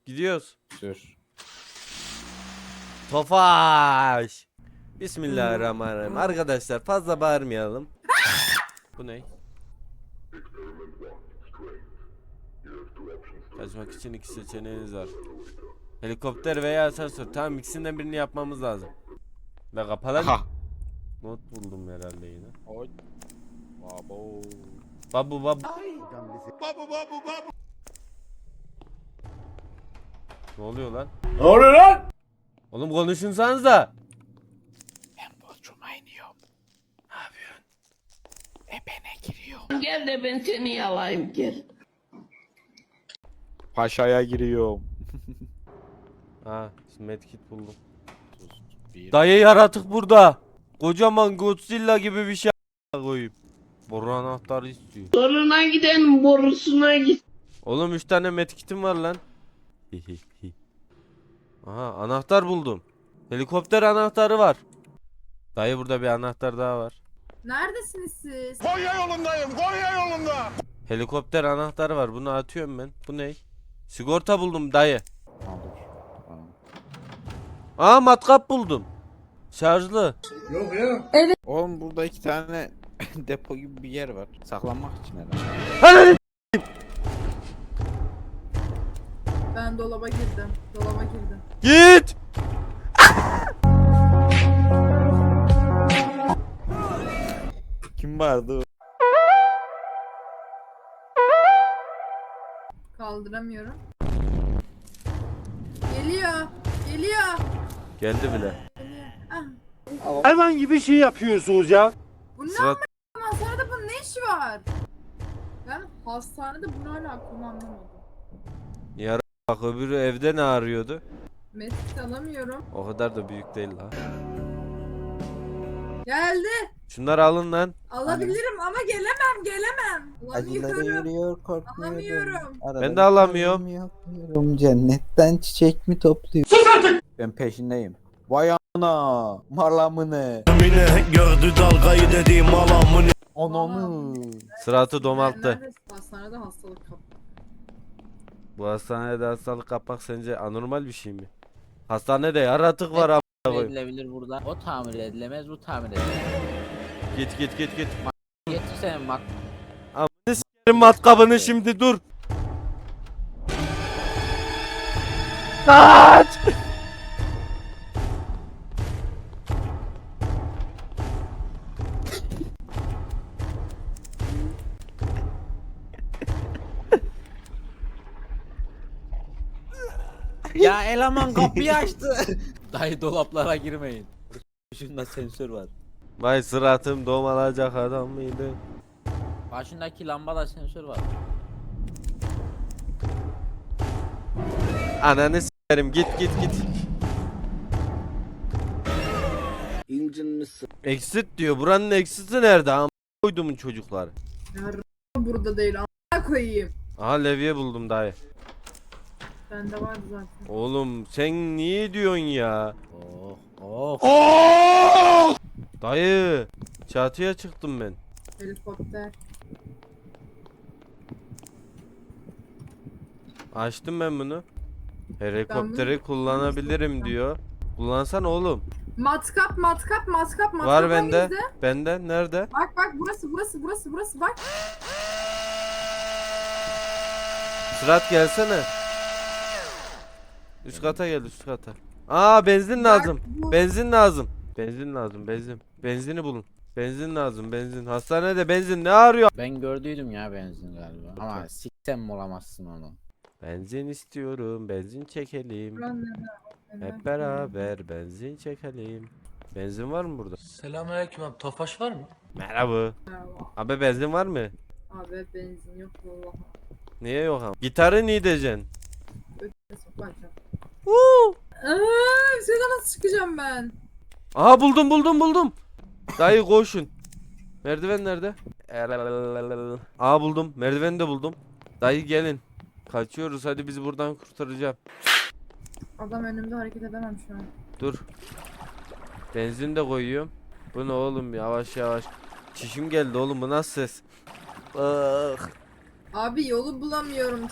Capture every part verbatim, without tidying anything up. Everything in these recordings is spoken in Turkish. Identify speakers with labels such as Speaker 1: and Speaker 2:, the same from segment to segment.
Speaker 1: Gidiyoruz.
Speaker 2: Sür.
Speaker 1: Tofaş. Bismillahirrahmanirrahim. Arkadaşlar fazla bağırmayalım. Bu ne? Kaçmak için iki seçeneğiniz var. Helikopter veya asansör. Tamam, ikisinden birini yapmamız lazım. Ve kapalan.
Speaker 2: Aha.
Speaker 1: Not buldum herhalde yine.
Speaker 2: Oy. Babo.
Speaker 1: Babu babu.
Speaker 3: Babu babu babu.
Speaker 1: Ne oluyor lan?
Speaker 3: Ne oluyor lan?
Speaker 1: Oğlum konuşunsanız da.
Speaker 2: Ben bodruma iniyorum. Ne yapıyorsun? Ebene giriyorum.
Speaker 4: Gel de ben seni yalayayım gel.
Speaker 2: Paşaya giriyorum.
Speaker 1: Ha, şimdi medkit buldum.
Speaker 2: Bir.
Speaker 1: Dayı yaratık burada. Kocaman Godzilla gibi bir şey koyayım. Boru anahtarı istiyor.
Speaker 4: Soruna giden borusuna git.
Speaker 1: Oğlum üç tane medkitim var lan. Aha, anahtar buldum. Helikopter anahtarı var. Dayı burada bir anahtar daha var.
Speaker 5: Neredesiniz siz?
Speaker 3: Konya yolundayım. Konya yolunda.
Speaker 1: Helikopter anahtarı var. Bunu atıyorum ben. Bu ne? Sigorta buldum dayı.
Speaker 2: Tamam, dur. Tamam.
Speaker 1: Aa, matkap buldum. Şarjlı.
Speaker 3: Yok ya.
Speaker 2: Oğlum burada iki tane depo gibi bir yer var. Saklanmak için herhalde.
Speaker 1: Hadi.
Speaker 5: Ben dolaba girdim. Dolaba girdim.
Speaker 1: Git.
Speaker 2: Kim vardı?
Speaker 5: Kaldıramıyorum. Geliyor. Geliyor.
Speaker 1: Geldi bile.
Speaker 5: Geliyor. Ah.
Speaker 3: Hayvan gibi şey yapıyorsunuz ya.
Speaker 5: Bu ne
Speaker 1: Sıra...
Speaker 5: ama hastanede bunun ne işi var? Ben hastanede bunu hala aklımı anlamadım.
Speaker 1: Yara bak, öbürü evde ne arıyordu?
Speaker 5: Medkit alamıyorum.
Speaker 1: O kadar da büyük değil la.
Speaker 5: Geldi.
Speaker 1: Şunları alın lan.
Speaker 5: Alabilirim ama gelemem gelemem.
Speaker 6: Acıları
Speaker 5: Alamıyorum.
Speaker 6: yürüyor korkmuyorum.
Speaker 5: Alamıyorum.
Speaker 1: Ben de alamıyorum.
Speaker 6: Yapıyorum. Cennetten çiçek mi topluyor?
Speaker 2: Ben peşindeyim. Vay ana. Malamını.
Speaker 3: Mine gördü dalgayı dediğim alamını.
Speaker 2: Ananı.
Speaker 1: Sıratı domalttı.
Speaker 5: Neredeyse hastanede hastalık kaptım.
Speaker 1: Bu hastanede hastalık kapmak sence anormal bir şey mi? Hastanede yaratık var a**a
Speaker 7: Tamir
Speaker 1: koyayım.
Speaker 7: edilebilir burada. O tamir edilemez, bu tamir edilemez.
Speaker 1: Git git git git.
Speaker 7: Getir sen bak.
Speaker 1: Senin matkabını şimdi, dur. Kaç!
Speaker 7: Ya eleman kapıyı açtı. Dayı dolaplara girmeyin. Şunda sensör var.
Speaker 1: Vay, sıratım domalacak adam mıydı?
Speaker 7: Başındaki lambada sensör var.
Speaker 1: Ananı s**erim, git git git.
Speaker 6: İncinmişsin.
Speaker 1: Exit diyor. Buranın exit'i nerede? Am koydumun çocuklar.
Speaker 5: Ya r- burada değil. A**a koyayım.
Speaker 1: Aha, levye buldum dayı.
Speaker 5: Bende vardı zaten.
Speaker 1: Oğlum sen niye diyorsun ya?
Speaker 7: Oh oh.
Speaker 1: Dayı, çatıya çıktım ben.
Speaker 5: Helikopter.
Speaker 1: Açtım ben bunu. Helikopteri kullanabilirim diyor. Kullansan oğlum.
Speaker 5: Matkap matkap matkap matkap.
Speaker 1: Var bende.
Speaker 5: hangisi?
Speaker 1: Bende nerede?
Speaker 5: Bak bak burası burası burası burası bak.
Speaker 1: Sırat gelsene. Üst kata gel, üst kata. Aa, benzin lazım.
Speaker 5: bu-
Speaker 1: Benzin lazım. Benzin lazım, benzin. Benzini bulun. Benzin lazım, benzin. Hastanede benzin ne arıyor?
Speaker 7: Ben gördüydüm ya benzin galiba. Ama siksen bulamazsın onu.
Speaker 1: Benzin istiyorum, benzin çekelim.
Speaker 5: Lan ne- ne-
Speaker 1: Hep beraber benzin çekelim. Benzin var mı burada?
Speaker 8: Selamünaleyküm abi. Tofaş var mı?
Speaker 1: Merhaba.
Speaker 5: Merhaba.
Speaker 1: Abi benzin var mı?
Speaker 5: Abi benzin yok vallahi.
Speaker 1: Niye yok ama? Gitarı niye diyeceksin?
Speaker 5: Ötesi sokacağım.
Speaker 1: Woo!
Speaker 5: Aaa şeyden nasıl çıkacağım ben?
Speaker 1: Aha, buldum buldum buldum. Dayı koşun. Merdiven nerede? Aa, buldum. Merdiveni de buldum. Dayı gelin. Kaçıyoruz, hadi bizi buradan kurtaracağım.
Speaker 5: Adam önümde hareket edemem şu an.
Speaker 1: Dur. Benzin de koyuyorum. Bu ne oğlum, yavaş yavaş. Çişim geldi oğlum, bu nasıl ses? Ah.
Speaker 5: Abi yolu bulamıyorum. Taşak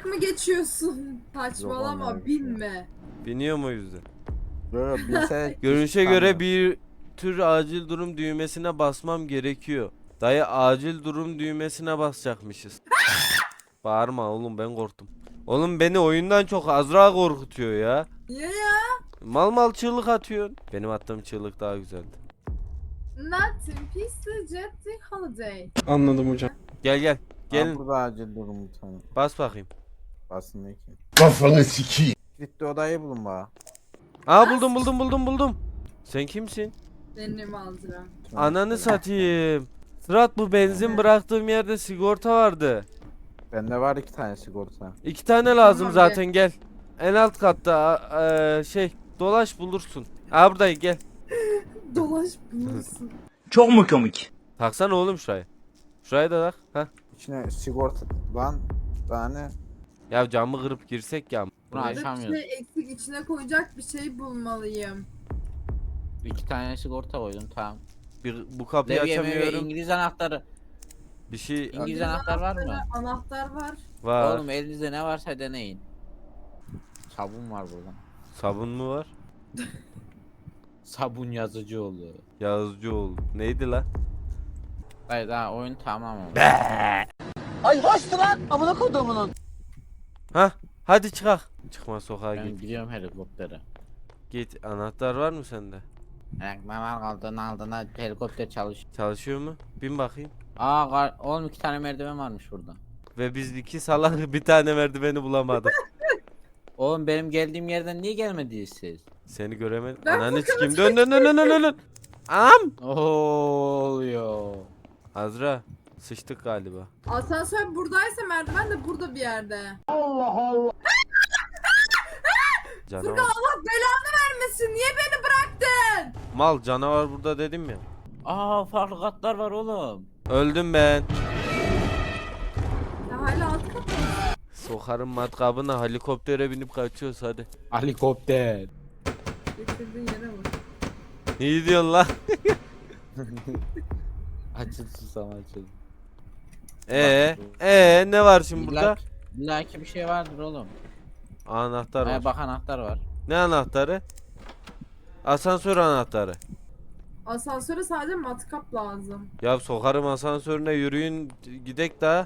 Speaker 5: Dalak mı geçiyorsun? Saçmalama
Speaker 2: olmuyor.
Speaker 5: binme.
Speaker 1: Biniyor mu o yüzden?
Speaker 2: Böyle bilse
Speaker 1: Görünüşe göre bir tür acil durum düğmesine basmam gerekiyor. Dayı acil durum düğmesine basacakmışız. Bağırma oğlum, ben korktum. Oğlum beni oyundan çok Azra korkutuyor ya.
Speaker 5: Niye ya?
Speaker 1: Mal mal çığlık atıyorsun. Benim attığım çığlık daha güzeldi.
Speaker 5: Nothing peaceful jet holiday.
Speaker 3: Anladım hocam.
Speaker 1: Gel gel.
Speaker 2: Gelin.
Speaker 1: Gelin
Speaker 2: Burada acil durum bir tane.
Speaker 1: bas bakayım.
Speaker 2: Basın ki.
Speaker 3: Kafanı sikeyim.
Speaker 2: Gitti odayı bulun bana.
Speaker 1: Aa buldum buldum buldum buldum. Sen kimsin?
Speaker 5: Benim Azra.
Speaker 1: Ananı satayım. Sırat, bu benzin bıraktığım yerde sigorta vardı.
Speaker 2: Bende var iki tane sigorta.
Speaker 1: İki tane lazım
Speaker 5: Tamam,
Speaker 1: zaten, gel. En alt katta a- eee, şey dolaş bulursun. Aa buradayım, gel.
Speaker 5: Dolaş bulursun.
Speaker 3: Çok mu komik?
Speaker 1: Taksana oğlum şurayı. Şurayı da tak. Heh.
Speaker 2: İçine sigorta lan tane.
Speaker 1: Ya camı kırıp girsek ya.
Speaker 7: Bunu
Speaker 5: Burada bir
Speaker 7: açamıyoruz.
Speaker 5: şey eksik, içine koyacak bir şey bulmalıyım.
Speaker 7: İki tane sigorta koydum tamam.
Speaker 1: Bir, bu kapıyı
Speaker 7: Levye mevye
Speaker 1: açamıyorum.
Speaker 7: İngiliz anahtarı.
Speaker 1: Bir şey
Speaker 7: İngiliz anahtar var mı?
Speaker 5: Anahtar var.
Speaker 1: var.
Speaker 7: Oğlum elinizde ne varsa deneyin. Sabun var burada.
Speaker 1: Sabun mu var?
Speaker 7: Sabun yazıcı oldu.
Speaker 1: Yazıcı oldu. Neydi la?
Speaker 7: Hayır daha oyun tamam oldu.
Speaker 1: Ha? Hadi çıkak. Çıkma sokağa
Speaker 7: Ben
Speaker 1: git.
Speaker 7: gidiyorum helikoptere.
Speaker 1: Git. Anahtar var mı sende?
Speaker 7: Ayaklarına kaldığına aldığına helikopter çalış.
Speaker 1: Çalışıyor mu? Bin bakayım.
Speaker 7: Aa kar- oğlum iki tane merdiven varmış burada.
Speaker 1: Ve biz iki salak bir tane merdiveni bulamadık.
Speaker 7: Oğlum benim geldiğim yerden niye gelmediniz siz?
Speaker 1: Seni göremedim.
Speaker 5: Ben
Speaker 1: Ananı sikeyim. Dön dön dön dön dön dön. Am!
Speaker 7: Ne oluyor?
Speaker 1: Azra. Sıçtık galiba.
Speaker 5: Asansör buradaysa merdiven de burada bir yerde.
Speaker 1: Canavar.
Speaker 5: Allah belanı vermesin. Niye beni bıraktın?
Speaker 1: Mal canavar burada dedim ya.
Speaker 7: Aa farklı katlar var oğlum.
Speaker 1: Öldüm ben.
Speaker 5: Ya hala alt kat mı?
Speaker 1: Sokarım matkabına, helikoptere binip kaçıyoruz hadi.
Speaker 7: Helikopter.
Speaker 5: Getirdiğin yere bak.
Speaker 1: Ne diyorsun lan?
Speaker 7: Açıl susam açıl.
Speaker 1: Ee, ee ne var şimdi burada?
Speaker 7: İlla ki bir şey vardır oğlum.
Speaker 1: Anahtar var.
Speaker 7: Ay bak anahtar var.
Speaker 1: Ne anahtarı? Asansör anahtarı.
Speaker 5: Asansöre sadece matkap lazım.
Speaker 1: Ya sokarım asansörüne, yürüyün gidek daha.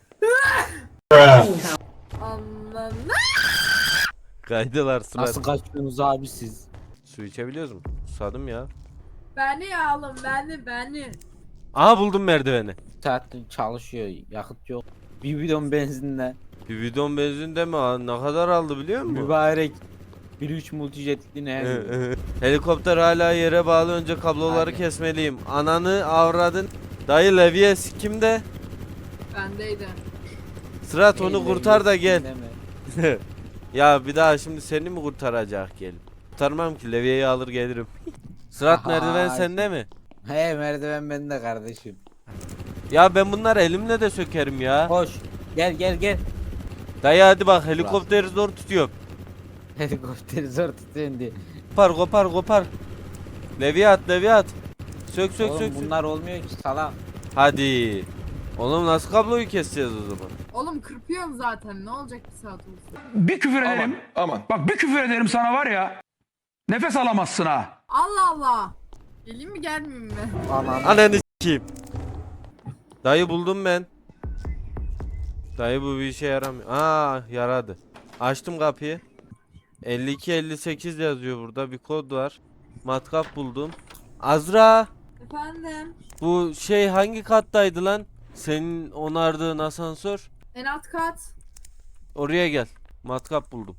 Speaker 5: Anladın.
Speaker 1: Kaydılar sıra.
Speaker 7: Nasıl kaçıyorsunuz abi siz?
Speaker 1: Su içebiliyoruz mu? Susadım ya.
Speaker 5: Beni alın beni beni.
Speaker 1: Aha buldum merdiveni.
Speaker 7: Saattir çalışıyor yakıt yok. Bir bidon benzinle.
Speaker 1: Bir bidon benzin de mi? Aa, ne kadar aldı biliyor musun?
Speaker 7: Mübarek. bir üç multijetli ne?
Speaker 1: Helikopter hala yere bağlı, önce kabloları
Speaker 7: Hadi.
Speaker 1: kesmeliyim. Ananı avradın. Dayı levye kimde?
Speaker 5: Bendeydi.
Speaker 1: Sırat onu kurtar da gel.
Speaker 7: Deme.
Speaker 1: Ya bir daha şimdi seni mi kurtaracak gel. Kurtarmam ki, levyeyi alır gelirim. Sırat
Speaker 7: Aha,
Speaker 1: merdiven sende mi?
Speaker 7: He merdiven bende kardeşim.
Speaker 1: Ya ben bunları elimle de sökerim ya.
Speaker 7: Koş. Gel gel gel.
Speaker 1: Dayı hadi bak, helikopteri zor tutuyorum.
Speaker 7: Helikopteri zor tutuyorsun diye.
Speaker 1: Kopar kopar kopar. Levye at levye at. Sök sök
Speaker 7: Oğlum
Speaker 1: sök. sök.
Speaker 7: bunlar olmuyor ki salak.
Speaker 1: Hadi. Oğlum nasıl kabloyu keseceğiz o zaman?
Speaker 5: Oğlum kırpıyorum zaten. Ne olacak bir saat olsun.
Speaker 9: Bir küfür ederim.
Speaker 3: Aman.
Speaker 9: Bak bir küfür ederim sana var ya. Nefes alamazsın ha.
Speaker 5: Allah Allah. Geleyim mi gelmeyeyim mi?
Speaker 2: Anan.
Speaker 1: Ananı s**eyim. Dayı buldum ben. Dayı bu bir işe yaramıyor. Aa yaradı. Açtım kapıyı. elli iki elli sekiz yazıyor burada, bir kod var. Matkap buldum. Azra,
Speaker 5: Efendim.
Speaker 1: bu şey hangi kattaydı lan? Senin onardığın asansör.
Speaker 5: En alt kat.
Speaker 1: Oraya gel. Matkap buldum.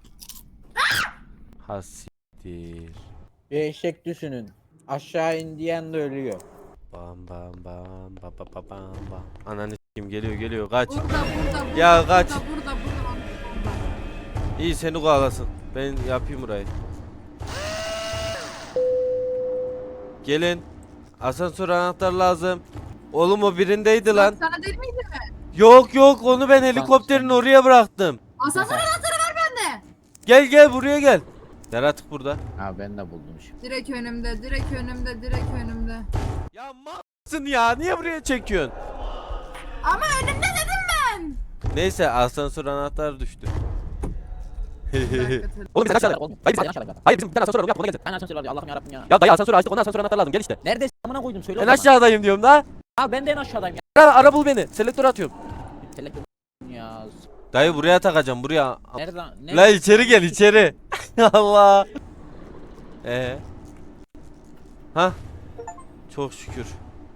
Speaker 1: Hasiktir.
Speaker 7: Bir eşek düşünün. Aşağı indiyen de ölüyor.
Speaker 1: Bam bam bam bam bam bam bam bam. Ananı s**eyim, geliyor geliyor, kaç.
Speaker 5: Burada burada burada.
Speaker 1: Ya kaç.
Speaker 5: Burada burada burada. burada.
Speaker 1: İyi, seni kovalasın. Ben yapayım burayı. Gelin. Asansör anahtar lazım. Oğlum o birindeydi lan.
Speaker 5: Sana değil miydi mi?
Speaker 1: Yok yok, onu ben helikopterin oraya bıraktım.
Speaker 5: Asansör anahtarı var bende.
Speaker 1: Gel gel buraya gel. Yaratık burada.
Speaker 7: Ha ben de buldum şimdi.
Speaker 5: Direkt önümde, direkt önümde, direkt önümde.
Speaker 1: Ya malsın ya, niye buraya çekiyorsun?
Speaker 5: Ama önümde dedim ben.
Speaker 1: Neyse asansör anahtarı düştü.
Speaker 5: Bir dakika, tele-
Speaker 1: Oğlum biz aşağıda.
Speaker 7: Oğlum,
Speaker 1: Hayır
Speaker 7: sen
Speaker 1: bizim,
Speaker 7: aşağıda.
Speaker 1: hayır bizim bir tane asansör var, yap ona gelecek.
Speaker 7: Ben asansör var Allah'ım yarabbim ya.
Speaker 1: Ya dayı asansörü açtık, ondan asansör anahtarı lazım, gel işte.
Speaker 7: Neredesin amına koydum söyle o
Speaker 1: En
Speaker 7: zaman.
Speaker 1: aşağıdayım diyorum da.
Speaker 7: Abi ben de en aşağıdayım ya.
Speaker 1: Ara, ara bul beni. Selektör atıyorum.
Speaker 7: Telefon ya.
Speaker 1: Dayı buraya takacağım, buraya.
Speaker 7: Nereden? Ne?
Speaker 1: La içeri gel içeri. Allah. Ee. Ha? Çok şükür.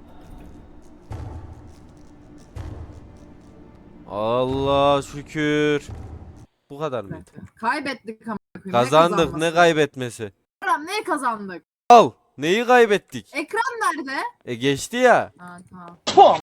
Speaker 1: Allah şükür. Bu kadar
Speaker 5: bir
Speaker 1: mıydı?
Speaker 5: dakika. Kaybettik ama. Ne
Speaker 1: Kazandık, ne
Speaker 5: kazanması?
Speaker 1: kaybetmesi?
Speaker 5: Ekran ne kazandık?
Speaker 1: Al. Neyi kaybettik?
Speaker 5: Ekran nerede?
Speaker 1: E geçti ya.
Speaker 5: Ha tamam.